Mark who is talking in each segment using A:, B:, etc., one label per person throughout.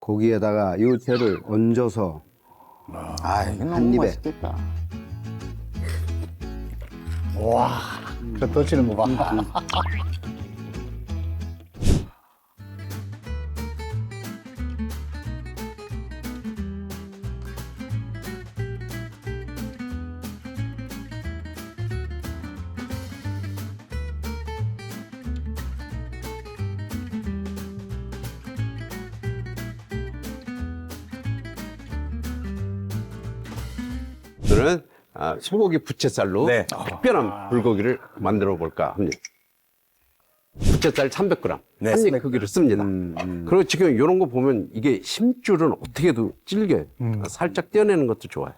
A: 고기에다가 유채를 얹어서
B: 아, 이거
A: 한
B: 너무
A: 입에.
B: 맛있겠다.
C: 와, 저 떠치는 거 봐.
D: 오늘은 소고기 부채살로
B: 네.
D: 특별한 불고기를 만들어 볼까 합니다. 부채살 300g,
B: 네,
D: 한 입 크기를 씁니다. 그리고 지금 이런 거 보면 이게 심줄은 어떻게도 질겨요. 살짝 떼어내는 것도 좋아요.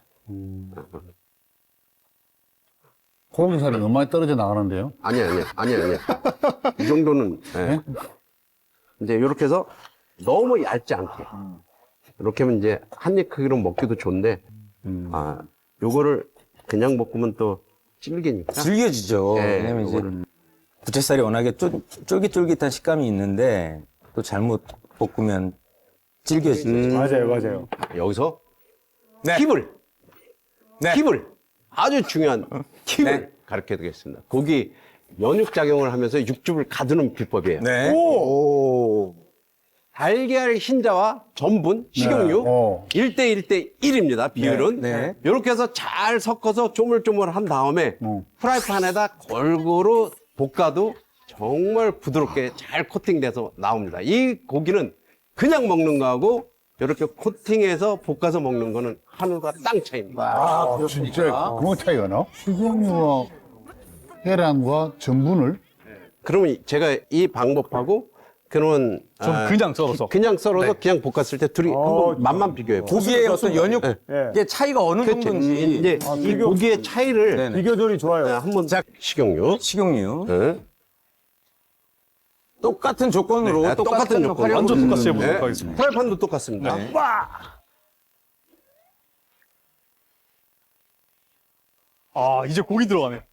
C: 고기살이 너무 많이 떨어져 나가는데요?
D: 아니야. 이 정도는, 예. 이제 이렇게 해서 너무 얇지 않게. 이렇게 하면 이제 한 입 크기로 먹기도 좋은데, 요거를 그냥 볶으면 또 질기니까.
B: 질겨지죠.
D: 네,
B: 왜냐면 이제
D: 요거를.
B: 부채살이 워낙에 쫄깃쫄깃한 식감이 있는데 또 잘못 볶으면 질겨지죠.
C: 맞아요.
D: 여기서
B: 네.
D: 팁을,
B: 네.
D: 팁을, 아주 중요한 팁을
B: 네.
D: 가르쳐 드리겠습니다. 고기 연육 작용을 하면서 육즙을 가두는 비법이에요.
B: 네.
D: 오. 달걀 흰자와 전분, 식용유
C: 어.
D: 1대 1입니다. 비율은.
B: 네.
D: 이렇게 해서 잘 섞어서 쪼물쪼물한 다음에 프라이팬에다 골고루 볶아도 정말 부드럽게 잘 코팅돼서 나옵니다. 이 고기는 그냥 먹는 거하고 이렇게 코팅해서 볶아서 먹는 거는 하늘과 땅 차이입니다.
C: 아, 진짜 그런 차이가 나? 식용유와 계란과 전분을
D: 그러면 제가 이 방법하고 그러면
E: 그냥 썰어서.
D: 그냥 썰어서 그냥 볶았을 때 둘이 한번 맛만 비교해 보세요.
B: 고기의 어떤 연육,
D: 네.
B: 의 차이가 어느
D: 그렇죠.
B: 정도인지.
D: 이제 이 고기의 차이를
B: 네네.
C: 비교절이 좋아요.
D: 한번 식용유.
B: 식용유.
D: 네.
B: 똑같은 조건으로
D: 네, 똑같은 조건.
E: 완전 똑같이 해보도록
D: 네.
E: 하겠습니다.
D: 프라이팬도 똑같습니다.
B: 네.
E: 아, 이제 고기 들어가네.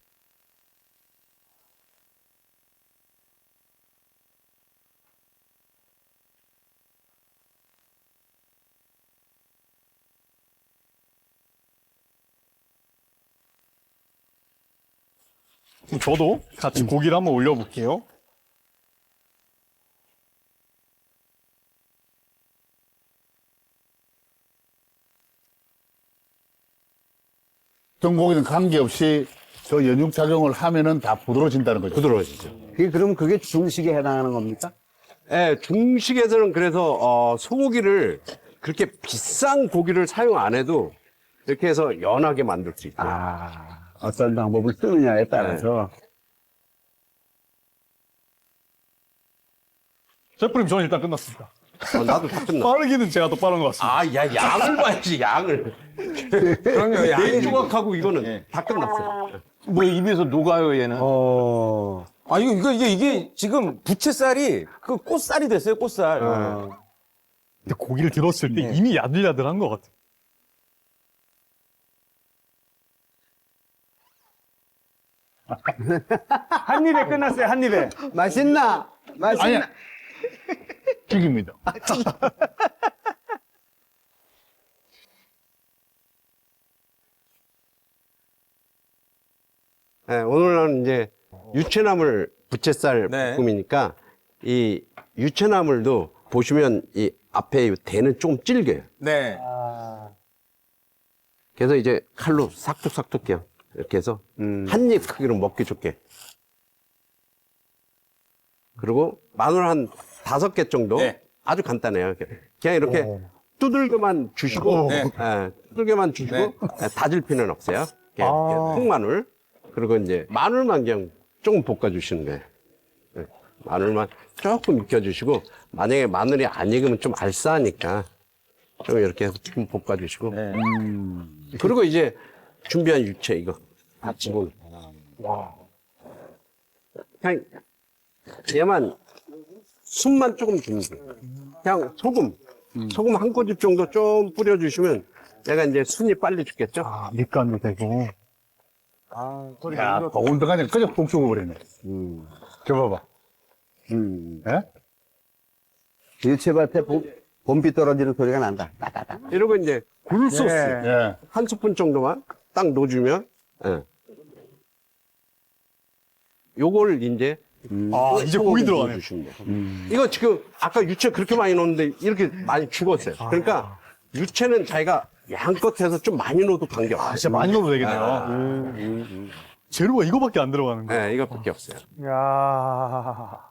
E: 그럼 저도 같이 고기를 한번 올려볼게요.
C: 어떤 고기는 관계없이 저 연육 작용을 하면은 다 부드러워진다는 거죠.
D: 부드러워지죠.
A: 그럼 그게 중식에 해당하는 겁니까?
D: 네, 중식에서는 그래서 소고기를 그렇게 비싼 고기를 사용 안 해도 이렇게 해서 연하게 만들 수 있어요.
A: 어떤 방법을 쓰느냐에 따라서.
E: 셰프님, 저는 일단 끝났습니다.
D: 나도 다 끝나.
E: 빠르기는 제가 더 빠른 것 같습니다.
D: 아, 야, 양을 봐야지, 양을.
B: 그럼요.
D: 네 조각하고 이거는 다 끝났어요.
B: 뭐 입에서 녹아요, 얘는. 아, 이게 지금 부채살이 그 꽃살이 됐어요, 꽃살.
E: 근데 고기를 들었을 때 이미 야들야들한 것 같아요.
C: 한 입에 끝났어요, 한 입에.
A: 맛있나?
C: 아니야. 튀깁니다.
D: 네, 오늘은 이제 유채나물 부채살
B: 네.
D: 볶음이니까 이 유채나물도 보시면 이 앞에 이 대는 좀 질겨요.
B: 네.
D: 그래서 이제 칼로 싹둑싹둑 그냥 이렇게 해서 한 입 크기로 먹기 좋게. 그리고 마늘 한 5개 정도
B: 네.
D: 아주 간단해요. 그냥 이렇게 두들겨만 주시고,
B: 네.
D: 두들겨만 주시고 다질 필요는 없어요. 그냥 통마늘 그리고 이제 마늘만 그냥 조금 볶아주시는 거예요. 네. 마늘만 조금 익혀주시고 만약에 마늘이 안 익으면 좀 알싸하니까 좀 이렇게 해서 좀 볶아주시고.
B: 네.
D: 그리고 이제 준비한 유채 이거 다 집어넣고. 그냥 얘만 숨만 조금 주면 돼요. 그냥 소금 한 꼬집 정도 좀 뿌려주시면 얘가 이제 순이 빨리 죽겠죠.
E: 밑간도 되고.
C: 야, 더군다나 그냥 끄적 볶 죽어버리네. 저 봐봐.
A: 음.
C: 예?
A: 유채밭에 봄비 떨어지는 소리가 난다. 따다다.
D: 이러고 이제 굴소스
C: 예.
D: 한 스푼 정도만 딱 넣어주면, 예. 요걸 이제
E: 이제 고기 들어가네.
D: 주시면 돼요. 이거 지금 아까 유채 그렇게 많이 넣었는데 이렇게 많이 죽었어요. 그러니까 유채는 자기가 양껏 해서 좀 많이 넣어도 관계없어요.
E: 진짜 많이 넣어도 되겠네요. 재료가 이거밖에 안 들어가는 거야.
D: 네, 이것밖에 없어요.
E: 야.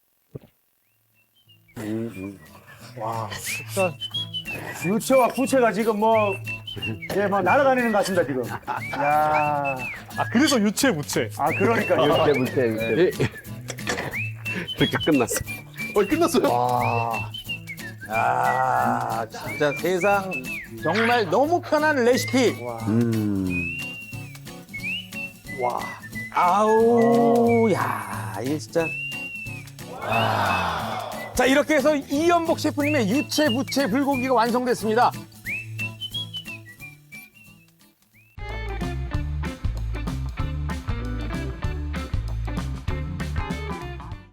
E: 와, 진짜 유채와 부채가 지금 뭐, 예, 막 날아다니는 것 같습니다, 지금. 야. 그래서 유채, 부채. 그러니까요.
A: 유채, 물채, 유채.
D: 예. 이렇게 끝났어.
E: 끝났어요?
B: 아, 진짜 세상 정말 너무 편한 레시피.
E: 와.
B: 아우, 야, 이게 진짜. 자, 이렇게 해서 이연복 셰프님의 유채, 부채, 불고기가 완성됐습니다.